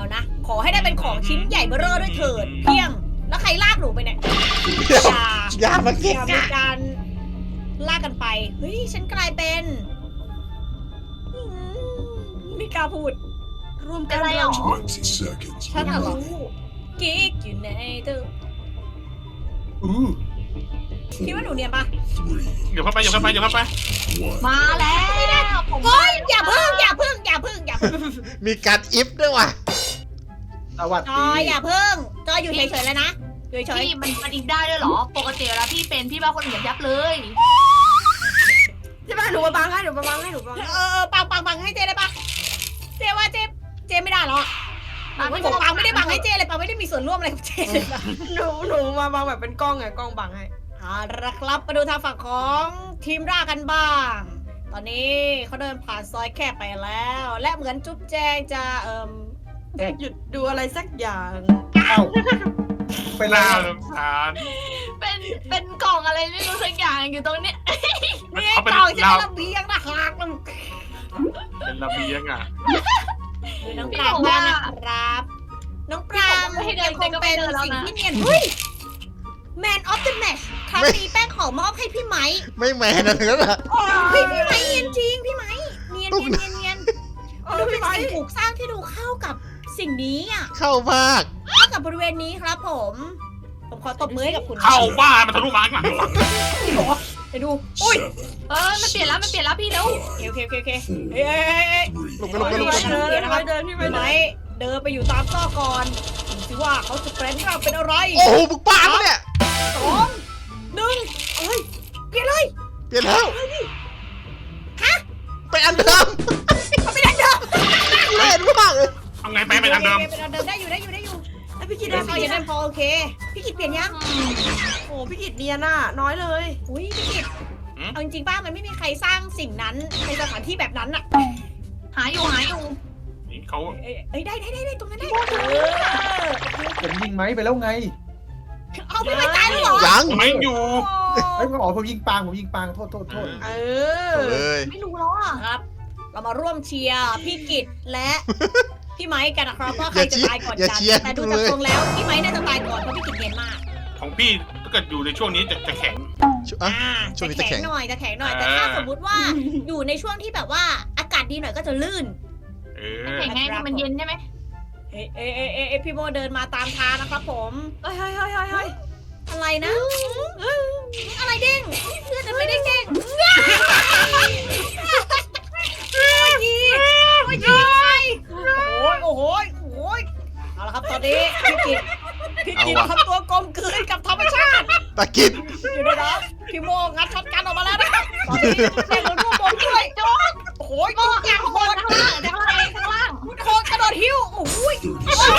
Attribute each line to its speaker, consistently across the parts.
Speaker 1: เอานะ ขอให้ได้เป็นของชิ้นใหญ่เบ้อเร่อด้วยเถิดเพียง แล้วใครลากหนูไปเนี่ยอย่า
Speaker 2: มาเก็
Speaker 1: อย่ามีการลากกันไป เฮ้ย ฉันกลายเป็นอืไม่กล้าพูด รวมกัน
Speaker 3: อะไรหรอ
Speaker 4: 20 seconds.
Speaker 1: ฉันเหรอกิ๊กอยู่ในตัว คิดว่าหนูเนียนปะ
Speaker 4: 3,
Speaker 5: เดี๋ยวเข้าไป
Speaker 4: 1.
Speaker 3: มาแล้วผม
Speaker 1: เฮ้ยอย่าพึ่ง
Speaker 2: มีการอิฟด้วยว่ะ
Speaker 6: สวัส
Speaker 1: จ
Speaker 6: ดี
Speaker 1: อยอย่าพึ่งจอยอยู่เฉยๆแล้วนะอยู่เฉย
Speaker 3: พี่มันอีกได้ด้วยเหรอ ปกติเวลาพี่เป็นพี่บ้าคนอื่นยับเลย
Speaker 7: ใช่ป่ะหนูมาบังให้หนูมาบังให้หนูบังให้
Speaker 1: ปังให้เจได้ปะเจว่าเจไม่ได้หรอกผมปังไม่ได้บังให้เจเลยปังไม่ได้มีส่วนร่วมอะไรกับเจเลยนะ
Speaker 7: หนูมาบังแบบเป็นกล้องไงกล้องบังให้
Speaker 1: เอาละครับมาดูทางฝั่งของทีมร่ากันบ้าง ตอนนี้เขาเดินผ่านซอยแคบไปแล้ว และเหมือนจุ๊บแจงจะ
Speaker 7: หยุดดูอะไรสักอย่าง
Speaker 6: เอ้าไป
Speaker 5: หน้า
Speaker 6: ลา
Speaker 5: ลำคาญ
Speaker 3: เป็นกล่องอะไรไม่รู้สักอย่างอยู่ตรงเนี้ย
Speaker 1: นี่กล่องจะเป็นระเบียงนะหักมัน
Speaker 5: เป็นระเบียงอ่ะ
Speaker 1: คือน้องปรางบ้างนะครับ น้องปรางยังคงเป็นสิ่งที่เนียนเฮ้ย Man of the Match ครั้งนี้แป้งขอมอบให้พี่ไม้
Speaker 2: ไม่แมนอะไรนั่นแหละ
Speaker 1: เฮ้ยพี่ไม้เนียนจริงพี่ไม้เนียน
Speaker 2: ตุ๊ก
Speaker 1: เนียนเนียนดูเป็นสิ่งปลูกสร้างที่ดูเข้ากับสิ่งนี้อ่ะ
Speaker 2: เข้ามาก
Speaker 1: เข้ากับบริเวณนี้ครับผมขอตบมือให้กับคุณ
Speaker 5: เข้าบ้านมันทะลุมาข้างหลัง
Speaker 1: ไปดูอุ้ย
Speaker 3: มันเปลี่ยนแล้วพี่เร็ว
Speaker 1: โอเคเฮ้ย
Speaker 2: ลงไป
Speaker 1: เดิน
Speaker 7: เดินพี่ไป
Speaker 1: พี่
Speaker 7: เดิ
Speaker 1: ไม้
Speaker 7: น
Speaker 1: เดินไปอยู่ตามซอกก่อนดูสิว่าเขาจะแปลงร่างเป็นอะไร
Speaker 2: โอ้โหมึงป้าปะเนี่ย
Speaker 1: 2 1เอ้ยเปลี่ยนเลย
Speaker 2: เปลี่ยนแล้ว
Speaker 1: ฮะ
Speaker 2: ไปอันเดิม
Speaker 1: เขาไม่ได้เดิม
Speaker 2: เล่นมากเลย
Speaker 5: เอาไงไปเป็นอันเดิม
Speaker 1: เป็นอันเดิมได้อยู่
Speaker 7: ไอพี่กิด
Speaker 1: ได้
Speaker 7: ได้
Speaker 1: พอยังได้พอโอเคพี่กิจเปลี่ยนยัง
Speaker 7: โอ้พี่กิดเนียน่ะน้อยเลย
Speaker 1: อุ้ยพี่กิจเอาจริงๆป้ามันไม่มีใครสร้างสิ่งนั้นในสถานที่แบบนั้นอะ
Speaker 3: หาอยู่
Speaker 5: นี่เขา
Speaker 1: เอ้ยได้ตรงนั้นได้
Speaker 6: ผมยิงไหมไปแล้วไง
Speaker 1: เอาพี่ไม่ตายแล้วเหรอ
Speaker 2: ยัง
Speaker 5: ไม่อยู่
Speaker 6: เฮ้ยผมยิงปางโทษ
Speaker 7: เอ
Speaker 2: เลย
Speaker 3: ไม่รู้แล้วอ่ะ
Speaker 1: ครับ เรามาร่วมเชียร์พี่กิจและพี่ไม้กันนะครับว่าใครจะตายก่อน
Speaker 2: อย่า
Speaker 1: กัน
Speaker 2: เชียร์
Speaker 1: แต่ดูจากทรงแล้วพี่ไม้น่าจะตายก่อนเพราะพี่กิจเย็นมาก
Speaker 5: ของพี่ถ้าเกิดอยู่ในช่วงนี้จะแข็ง
Speaker 2: อ่ะ ช่วงนี้จะแข็ง
Speaker 1: หน่อยจะแข็งหน่อยแต่ถ้าสมมุติว่าอยู่ในช่วงที่แบบว่าอากาศดีหน่อยก็จะลื่น
Speaker 5: เออ
Speaker 3: แข็งไงมันเย็นใช่ไหม
Speaker 1: เอ้พี่โมเดินมาตามทางนะครับผม
Speaker 7: เฮ้ย
Speaker 1: อะไรนะอะไรเด้งเพื่อนไม่ได้เด้งโอ้โหเอาละครับตอนนี้พี่กิจทำตัวกลมกลืนกับธรรมชาติ
Speaker 2: ตะกิด
Speaker 1: อยู่ด้วยนะพี่โมงัดช็อตกันออกมาแล้วนะตอนนี้เล่นรถพวกผมด้วยโอ้โหจุกอย่างโหด
Speaker 3: ข้างล่าง
Speaker 1: โคตรกระโดดหิ้วโอ้ย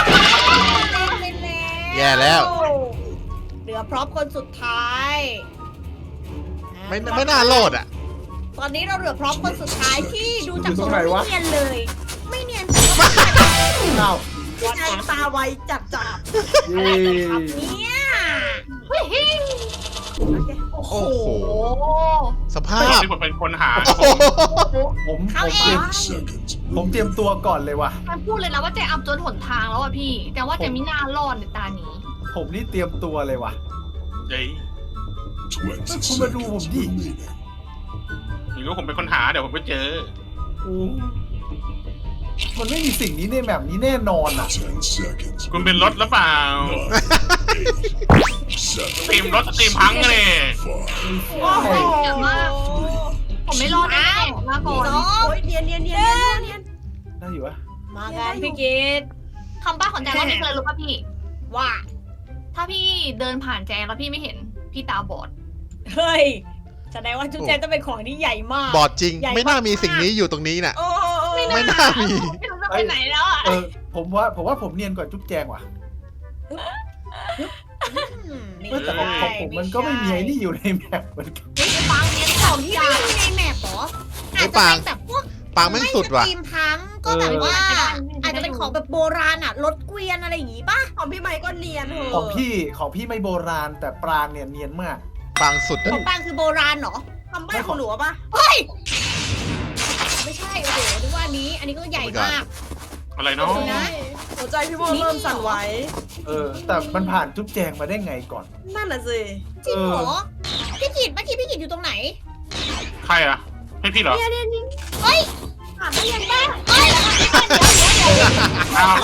Speaker 2: แย่แล้ว
Speaker 1: เหลือพร้อมคนสุดท้าย
Speaker 2: ไม่น่าโหลดอ่ะ
Speaker 1: ตอนนี้เราเหลือพร้อมคนสุดท้ายที่ดูจากทรงไม่เนียนเลย ไม่เนียน
Speaker 6: อ้าว
Speaker 7: พี่ชายตาไวจับ
Speaker 6: เย้
Speaker 1: เนี่ย
Speaker 2: โอ้โห
Speaker 3: โอ้
Speaker 2: สภาพ
Speaker 5: ที่ผมเป็นคนหา
Speaker 2: โอ้โห
Speaker 6: ผมเตรียมตัวก่อนเลยว่ะ
Speaker 3: มันพูดเลยนะว่าเจอับจนหนทางแล้วอ่ะพี่ แต่ว่าเจไม่น่ารอดในตานี้
Speaker 6: ผมนี่เตรียมตัวเลยว่ะ
Speaker 5: เฮ้ย
Speaker 4: 20
Speaker 6: คุณมาดูผมดิ
Speaker 4: seconds remaining.
Speaker 5: ไม่รู้ผมเป็นคนหาเดี๋ยวผมไปเจอ
Speaker 6: มันไม่มีสิ่งนี้ในแบบนี้แน่นอนอ่ะ
Speaker 4: 10 seconds.
Speaker 5: คุณเป็นรถหรือเปล่า
Speaker 4: 9,
Speaker 5: ตีมรถตีมพังกันเลย
Speaker 3: เยอะมาก ผมไม่รอดแน่ๆมาก่อน
Speaker 1: สอง
Speaker 7: โอ้ยเนียน
Speaker 6: ได้อยู่วะ
Speaker 1: มากันพี่กิต
Speaker 3: คำป้าของแจงรอบนี้เลยรู้ป่ะพี่
Speaker 1: ว่า
Speaker 3: ถ้าพี่เดินผ่านแจงแล้วพี่ไม่เห็นพี่ตาบอด
Speaker 1: เฮ้ยแสดงว่าจุ๊บแจงต้องเป็นของที่ใหญ่มาก
Speaker 2: บอดจริง ไม่น่ามีสิ่งนี้อยู่ตรงนี้น่ะ
Speaker 7: โอ้
Speaker 2: ไม่น่ามี
Speaker 3: ไม่รู้จะไปไหนแล้วอ่ะ
Speaker 6: ผมว่าผมเนียนกว่าจุ๊บแจงว่ะแต่ของผมมันก็ไม่มีไอ้นี่อยู่ในแมปเหมือนกัน
Speaker 3: ปังเนี้ย
Speaker 1: ของที่ไม่มีในแมปเหรออาจจะเป็นแบบพวก
Speaker 2: ปางแม่งสุดว่ะ
Speaker 1: ไม่สตรีมพังก็แบบว่า อาจจะเป็นของแบบโบราณอ่ะรถเกวียนอะไรอย่างงี้ป่ะ
Speaker 7: ของพี่ไม้ก็เนียนเหร
Speaker 6: ของพี่ไม่โบราณแต่ปรางเนี่ยเนียนมาก
Speaker 2: ปางสุด
Speaker 1: ของปางคือโบราณเหรอ
Speaker 7: ทำใบ้ของหนูป่ะ
Speaker 1: เฮ้ยไม่ใช่โอ้โหนึกว่าอันนี้ก็ใหญ่มาก
Speaker 5: อะไรเนาะ
Speaker 1: นะ
Speaker 7: หนูจะใจพี่โมเริ่มสั่นไหว
Speaker 6: แต่มันผ่านจุ๊บแจงมาได้ไงก่อน
Speaker 7: นั่นน่ะสิ
Speaker 1: จริงเหรอพี่กิตเมื่อกี้พี่กิตอยู่ตรงไหน
Speaker 5: ใครอะให้พี่เหรอ
Speaker 1: เฮ้ย
Speaker 7: ผ่านได้ยังไง
Speaker 1: เฮ้ย
Speaker 5: อ้าว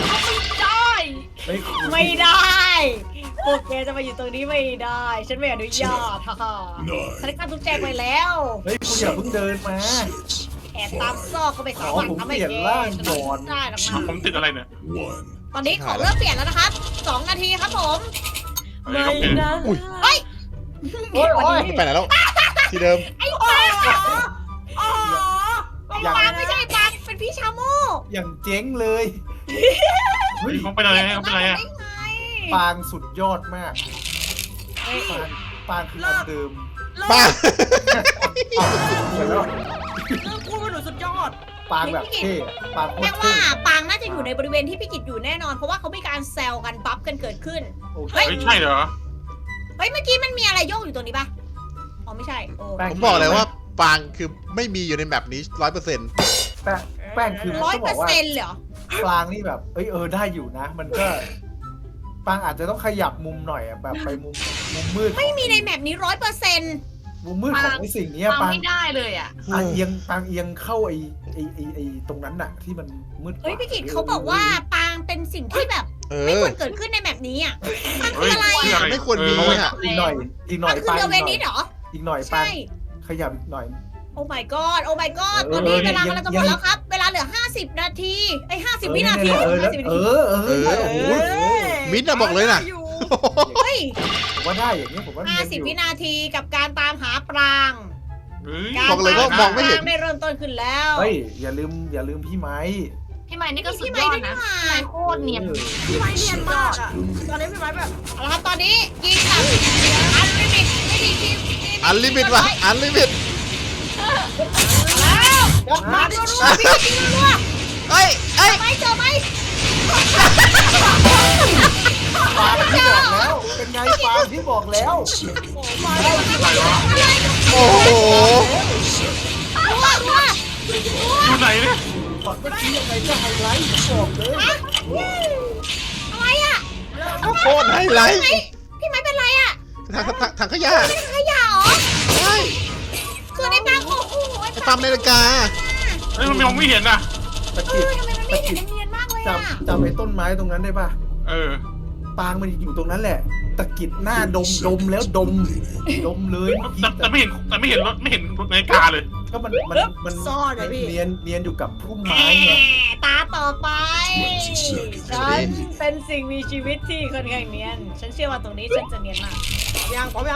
Speaker 1: ไม่ได้พวกแกจะมาอยู่ตรงนี้ไม่ได้ ฉันไม่อนุญาตฮ่าฮ่าฉันได้ฆ่าทุกแจงไปแล้ว
Speaker 6: เฮ้ยคุณอย่าเพิ่งเดินมา
Speaker 1: แอบตามซอกเข้าไปสาวันทำให้แกฉันไม่ได้หรอกนะ
Speaker 5: ผมติดอะไรเนี่ย
Speaker 4: One.
Speaker 1: ตอนนี้ของเริ่มเปลี่ยนแล้วนะครับ2 นาทีครับผม
Speaker 5: อะไรครับเนี่ย
Speaker 7: นะ
Speaker 1: เฮ้ย
Speaker 6: โอ้ยโอ้ย
Speaker 2: ไปไหนแล้ว ที่เดิม
Speaker 1: ไอ้ปาง
Speaker 7: อ๋อ
Speaker 1: ไอ้ปางไม่ใช่ไอ้ปางเป็นพี่ชาโม่
Speaker 6: อย่างเจ๊งเลย
Speaker 5: เฮ้ยเขาไปไหนเขาไปไหนอะ
Speaker 1: ได้ไง
Speaker 6: ปางสุดยอดมาก
Speaker 1: เฮ้ย
Speaker 6: ปางคืออันเดิม
Speaker 2: ป้า
Speaker 6: เดี๋ยวแล้ว
Speaker 7: เริ่มพูดว่าหนูสุดยอด
Speaker 6: ปางแบบเท่อะปางโค
Speaker 1: แปล
Speaker 6: ตรเท่
Speaker 1: ว่าปางน่าจะอยู่ในบริเวณที่พี่กิจอยู่แน่นอน เพราะว่าเขามีการแซวกันบัฟกันเกิดขึ้น
Speaker 6: โอเค
Speaker 1: เฮ้ย
Speaker 5: เฮ้ยใช่เหรอ
Speaker 1: เฮ้ยเมื่อกี้มันมีอะไรโยกอยู่ตรงนี้ปะอ๋อไม่ใช่โอ้
Speaker 6: แป้ง
Speaker 2: ผมบอกเลยว่าปางคือไม่มีอยู่ในแมปนี้100%
Speaker 6: แป้งคือ
Speaker 1: ร้อย
Speaker 6: ต้อง
Speaker 1: เป
Speaker 6: บ
Speaker 1: อ
Speaker 6: อก
Speaker 1: ร์
Speaker 6: ว่า
Speaker 1: เซ็นต์เหรอ
Speaker 6: ปางนี่แบบได้อยู่นะ มันก็ปางอาจจะต้องขยับมุมหน่อยอะแบบไปมุมมืด
Speaker 1: ไม่มีในแมปนี้100%
Speaker 6: มุมมืดของไอ้สิ่งเนี้ย
Speaker 3: ฟัง
Speaker 6: ปาง
Speaker 3: ไม่ได้เลยอ่ะ
Speaker 6: ปางเอียงเข้าไอ้ตรงนั้นน่ะ ที่มันมืด
Speaker 1: เฮ้ยพี่กิจเขาบอกว่าปางเป็นสิ่งที่แบบ
Speaker 2: เอ
Speaker 1: ไม่
Speaker 2: อ
Speaker 1: ควรเกิดขึ้นในแมปนี้อ่ะปางคื
Speaker 5: เฮ้
Speaker 1: อย อะไร
Speaker 5: คือ
Speaker 1: อ่ะ
Speaker 5: อะไร
Speaker 2: ไม่ควรมี
Speaker 5: เออ
Speaker 2: อ่ะ
Speaker 6: อีกหน่อยอีกหน่
Speaker 1: มั
Speaker 6: อย
Speaker 1: นคือ
Speaker 6: ปาง
Speaker 1: เรือเวนิสเหรอ
Speaker 6: อีกหน่อยปาง
Speaker 1: ใช่
Speaker 6: ขยับอีกหน่อย
Speaker 1: โอ้ my god โอ้ my god ตอนนี้เวลากำลังจะหมดแล้วครับ เวลาเหลือ50 นาทีไอ้50 วินาที
Speaker 6: เออ
Speaker 1: 50 วินาที
Speaker 6: โอ้โห
Speaker 2: มิ้นท์อะบอกเลยน่ะ
Speaker 1: เฮ้ย
Speaker 6: ผมว่าได้อย่างนี้ผมว่าเนียนอยู่
Speaker 1: 50 วินาทีกับการตามหาปราง
Speaker 5: เฮ้ย
Speaker 1: การ
Speaker 2: บอกเลยว่ามองไม่เห็น
Speaker 1: ตาหาปรางได้เริ่มต้นขึ้นแล้ว
Speaker 6: เฮ้ยอย่าลืมพี่ไม้
Speaker 3: พี่ใหม่นี่ก็สุด
Speaker 1: พี่
Speaker 3: ย
Speaker 1: ไม้
Speaker 3: อด
Speaker 1: ด้วย
Speaker 3: นะ
Speaker 1: นี่หว่า
Speaker 3: พี่ใหม่โคตรเนียน
Speaker 7: พี่ไม้เนียนมากอ่ะ ตอนนี้พี่ไม้แบบ
Speaker 1: เอาละครับตอนนี้ยิงกับอันลิมิตไม่ดีทีม
Speaker 2: อันลิมิตว่ะอันลิมิต
Speaker 1: แล้วมารัวๆพี่ยิงรัว
Speaker 2: เอ้ยเอ้ย
Speaker 1: ๆไม่เจอไหม
Speaker 6: ปางที่บอกแล้ว เป็นไงปางที่บอกแล้ว
Speaker 4: Seconds.
Speaker 5: อะไรวะ
Speaker 2: โอ้โห
Speaker 1: รัว
Speaker 5: อยู่ไหนเนี่ย
Speaker 6: ตอนเมื่อกี้ยังไงก็ไฮไลท์บอกเลย
Speaker 1: ๆอะไรอ่ะ
Speaker 2: โคตรไฮไลท์
Speaker 1: พี่ไม้เป็นไรอ่ะ
Speaker 2: ถังขยะ
Speaker 1: ขยะเหรอ
Speaker 2: ใช่
Speaker 1: คือในปางโอ้โห
Speaker 2: ไอ้ปั๊มนาฬิกา
Speaker 5: เฮ้ยมันมองไม่เห็นอะ
Speaker 6: ตะ
Speaker 1: เอ
Speaker 6: กิด
Speaker 1: อทำไมมันไม่เห็นเนียนมากเลยอ่ะ
Speaker 6: จำไอ้ต้นไม้ตรงนั้นได้ป่ะ
Speaker 5: เออ
Speaker 6: ปางมันอยู่ตรงนั้นแหละ ตะกิดหน้าดมแล้วดมเลยเมื่อกี้
Speaker 5: แต่ไม่เห็นรถไม่เห็นรถนาฬิกาเลย
Speaker 6: ก็มัน
Speaker 7: ซ่อนเลยพี่
Speaker 6: เนียนอยู่กับพุ่ม
Speaker 1: แห
Speaker 6: ไม้ไง
Speaker 1: มตาต่อไป ฉันเป็นสิ่งมีชีวิตที่ค่อนข้างเนียน ฉันเชื่อว่าตรงนี้ฉันจะเนียนมาก
Speaker 7: พร้อมยัง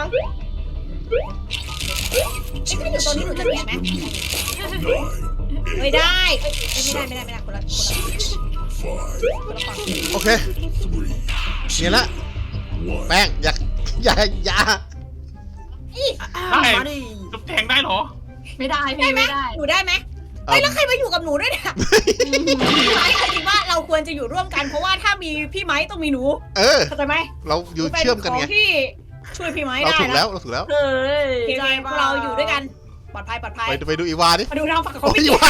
Speaker 1: ไอ้ถ้าอยู่ตรงนี้หนูจะเนียนไหม
Speaker 4: Nine.
Speaker 1: ไม่ได้เอ้ยไม่ได้คนละ
Speaker 4: Five.
Speaker 1: ฝั่ง
Speaker 2: โอเค
Speaker 4: Three.
Speaker 2: เนี่ยละ
Speaker 4: One.
Speaker 2: แป้งอย่า
Speaker 7: มาดิ
Speaker 5: จุ๊บแทงได้เหรอ
Speaker 3: ไม่ได้
Speaker 1: ได้
Speaker 3: พี่
Speaker 1: ไหม
Speaker 3: ไม่ได้
Speaker 1: หนูได้ไหมเฮ้ยแล้วใครมาอยู่กับหนูด้วยเนี่ยพี่ไม้จริงว่าเราควรจะอยู่ร่วมกันเพราะว่าถ้ามีพี่ไม้ต้องมีหนู
Speaker 2: เออ
Speaker 1: เข้าใจไหม
Speaker 2: เราอยู่เชื่อมกันไง
Speaker 1: ป็ของที่ช่วยพี่ไม้
Speaker 2: เรา
Speaker 1: ได้
Speaker 2: ถูก
Speaker 1: นะ
Speaker 2: แล้วเราถูกแล้ว
Speaker 7: เฮ้ย
Speaker 1: โอเคพวกเราอยู่ด้วยกันปลอดภัย
Speaker 2: ไปดูอีวาดิ
Speaker 1: มาดูทางฝั่งขอ
Speaker 2: โอ้
Speaker 1: ง
Speaker 2: ย
Speaker 1: พี่
Speaker 2: อีวา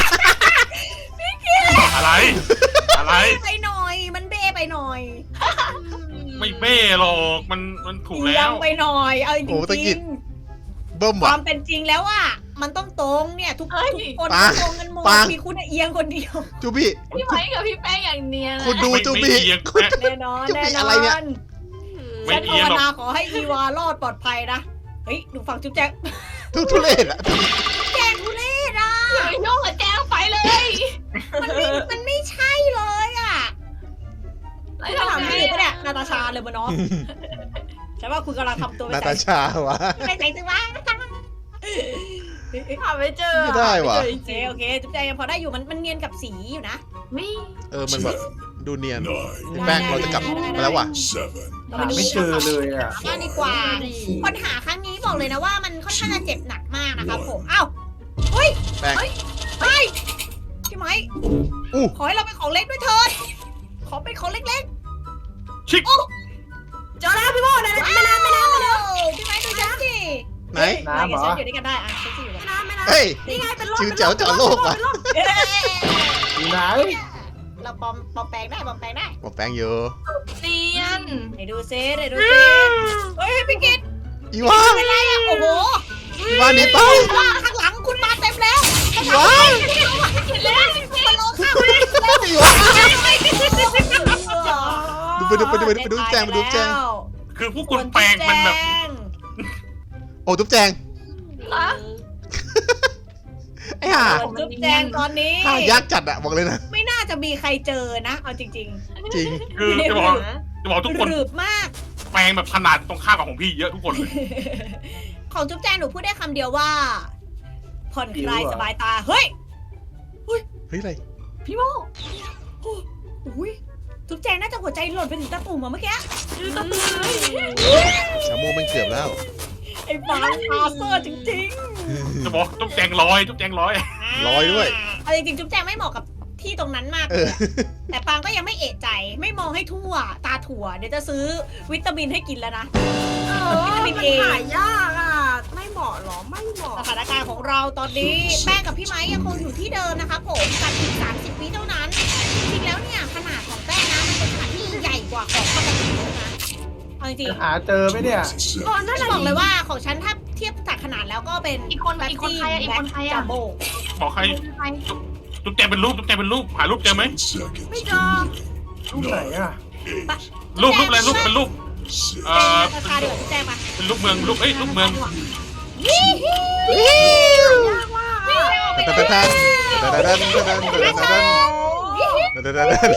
Speaker 5: อะไร อะไร
Speaker 1: ไปหน่อย มันเบ้ไปหน่อย
Speaker 5: ไม่เบ้หรอกมันถูก
Speaker 1: เอี
Speaker 5: แล้
Speaker 1: ยว งไปหน่อยเอาจ
Speaker 2: โอ้ตะกิ
Speaker 1: ริ
Speaker 2: ด
Speaker 1: ง
Speaker 2: เบิ่ม
Speaker 1: ๆค
Speaker 2: ว่ะ
Speaker 1: วามเป็นจริงแล้วอ่ะมันต้องตรงเนี่ยทุกคน
Speaker 2: ปาง
Speaker 1: ตรงกันหมด
Speaker 2: ปาง
Speaker 1: มีคุณเอียงคนเดียว
Speaker 2: จูบี้
Speaker 3: พี่ใหม่กับพี่แป้งอย่างเนียน
Speaker 2: คุณดู
Speaker 5: ไม่
Speaker 2: จูบี้
Speaker 5: ไม่เอียง
Speaker 2: คุณ
Speaker 1: แน่นอน
Speaker 2: จะ
Speaker 1: แน่
Speaker 2: มี
Speaker 1: น
Speaker 2: อะไรเนี่ย
Speaker 1: อน
Speaker 5: ไม่
Speaker 1: ฉัน
Speaker 5: เอี
Speaker 1: ภาย
Speaker 5: งหรอก
Speaker 1: นาขอให้อีวารอดปลอดภัยนะเฮ้ยดูฝั่งจุ๊บแจ๊ก
Speaker 2: ทุเรศอะ
Speaker 1: แจงทุเรศอ่ะ
Speaker 3: อย่าไปโยกกับแจ้งไปเลย
Speaker 1: มันไม่ใช่เลยอ่ะ
Speaker 3: ไร
Speaker 1: คุณ
Speaker 3: ทำ
Speaker 1: ถาม
Speaker 3: ไง
Speaker 1: พี่ก็เนี่ยนาตาชาเลยมาเนาะฉันว่าคุณกำลังทำตัว
Speaker 2: นา
Speaker 1: ไม่
Speaker 2: ตา
Speaker 1: ใจ
Speaker 2: ชาวะ
Speaker 1: ไม่ใจซึ่งว่า
Speaker 7: หาไม่เจอ
Speaker 2: ไม่ได้ว่ะ
Speaker 7: ม่เจอจ
Speaker 1: โอเค
Speaker 7: ริง
Speaker 1: โอเคจุ๊บแจงยังพอได้อยู่มันเนียนกับสีอยู่นะ
Speaker 3: ไม่
Speaker 2: มันแบบดูเนียน
Speaker 4: Nine.
Speaker 2: แป้งเราจะกลับไปแล้วว่ะ
Speaker 4: Seven.
Speaker 1: เรา
Speaker 6: หา
Speaker 1: ไปดู
Speaker 6: ไม่เจอเลยอ่ะ
Speaker 1: บ้านดีกว่า คนหาครั้งนี้บอกเลยนะว่ามันค่อนข้างจะเจ็บหนักมากนะครับผม เอ้าเฮ้ย
Speaker 2: แป้ง
Speaker 1: เฮ้ยพี่ไม้
Speaker 2: อู้
Speaker 1: ขอให้เราเป็นของเล็กด้วยเถิดขอเป็นของเล็ก
Speaker 5: ชิค
Speaker 7: ๆเจอแล้วพี่โมใน
Speaker 1: ๆ
Speaker 7: ไม่น้ำ
Speaker 1: พี่ไม้ดูฉันสิ
Speaker 2: ไหน
Speaker 1: นายกับฉันอยู่ด้วยกันได้อ่ะฉันจะอยู่กับ
Speaker 7: ไม่น้ำ
Speaker 2: เฮ้ย
Speaker 7: นี่ไงเป็นรถ
Speaker 2: จิ๋วแจ๋วเจาะโลกว่ะ
Speaker 6: อยู่ไหน
Speaker 1: เราปลอมแปลงได้
Speaker 2: บอกแป้งเยอะ
Speaker 3: เนียน
Speaker 1: ไหนดูซิเฮ้ยพี่กิต
Speaker 2: อีวา
Speaker 1: เป็นไรอ่ะโอ้โห
Speaker 2: อีวาหนีไป
Speaker 1: ว่าข้างหลังคุณมาเต็มแล้ว
Speaker 2: อีวา
Speaker 1: มาลงข้างไปแล้ว
Speaker 2: อีวาไปดูแจง
Speaker 5: คือพวกคุณแปลงมันแบบ
Speaker 2: โอ้ทุบแจง
Speaker 3: นะ
Speaker 2: ไอ้ห่า
Speaker 1: ส่วนจุ๊บแจงตอนนี้
Speaker 2: ห่ายากจัดอะบอกเลยนะ
Speaker 1: ไม่น่าจะมีใครเจอนะ เอาจริง
Speaker 2: จริง
Speaker 5: คือจะบอกทุกคน
Speaker 1: หรืบมาก
Speaker 5: แปลงแบบขนาดตรงข้ามกับของพี่เยอะทุกคนเลย
Speaker 1: ของจุ๊บแจงหนูพูดได้คำเดียวว่า ผ่อนคลายสบายตา เฮ้ย
Speaker 2: เฮ้ยอะไร
Speaker 3: พี่โม
Speaker 1: อุ้ยจุ๊บแจงน่าจะหัวใจหล่นไปถึงตะตุ่มอะเมื่อกี้
Speaker 3: ดูตะตือ
Speaker 2: ชาโมมันเกือบแล้ว
Speaker 1: ไอ้ฟางคาเซอร์จริง
Speaker 5: จะบอกทุกแจงร้อย
Speaker 1: ๆ
Speaker 2: ลอยด้วย
Speaker 1: เอาจริงๆจุ๊บแจงไม่เหมาะกับที่ตรงนั้นมาก
Speaker 2: เอ
Speaker 1: เลย
Speaker 2: อ
Speaker 1: อะแต่ปางก็ยังไม่เอะใจ ไม่มองให้ทั่ว ตาถั่ว เดี๋ยวจะซื้อวิตามินให้กินแล้วนะ
Speaker 7: มันหายากอ่ะ ไม่เหมาะหรอ ไม่เหมาะ
Speaker 1: สถานการณ์ของเราตอนนี้แป้งกับพี่ไม้ยังคงอยู่ที่เดิมนะคะผมกับอีก30 วิเท่านั้น จริงๆแล้วเนี่ยขนาดของแป้งนะมันเป็นขนาดที่ใหญ่กว่าของปกติเลยนะเอาจริง
Speaker 6: หาเจอไหมเนี่ย
Speaker 7: ตอนนั้น
Speaker 1: ๆจะบอกเลยว่าของฉันถ้าเทียบจากขนาดแล้วก็เป็น
Speaker 3: อีกคนใครอะอีกคนใคร
Speaker 1: จั
Speaker 3: อะ
Speaker 1: มโบ้
Speaker 5: บอกใคร
Speaker 3: ใคร
Speaker 5: ทุกแจงเป็นรูปหารูปเจอไหม
Speaker 4: Seconds.
Speaker 7: ไม่เจอ
Speaker 6: รูปไหนอ่ะ
Speaker 5: รูปอะไรรูปเป็นรูป
Speaker 4: Six.
Speaker 1: ราคาเดือดแจ้งมา
Speaker 5: เป็นรูปเมืองรูปเมือง
Speaker 7: ยากมากอ่ะ
Speaker 2: แทนแทน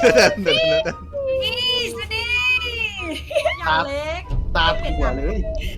Speaker 1: นี่สวัสดี
Speaker 7: อย่างเล็ก
Speaker 6: ตาถั่วเลย